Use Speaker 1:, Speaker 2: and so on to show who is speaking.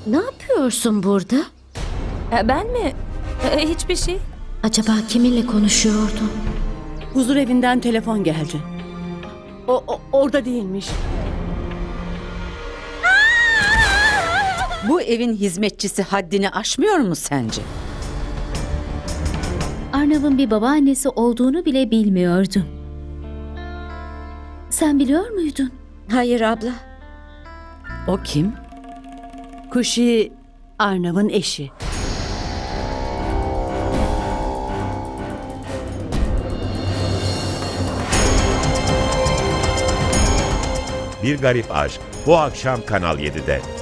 Speaker 1: Ne yapıyorsun burada?
Speaker 2: Ben mi? Hiçbir şey.
Speaker 1: Acaba kiminle konuşuyordun?
Speaker 3: Huzur evinden telefon geldi. Orada değilmiş.
Speaker 4: Bu evin hizmetçisi haddini aşmıyor mu sence?
Speaker 5: Arnav'ın bir babaannesi olduğunu bile bilmiyordum. Sen biliyor muydun?
Speaker 1: Hayır abla.
Speaker 4: O kim?
Speaker 3: Kuşi Arnav'ın eşi.
Speaker 6: Bir Garip Aşk bu akşam Kanal 7'de.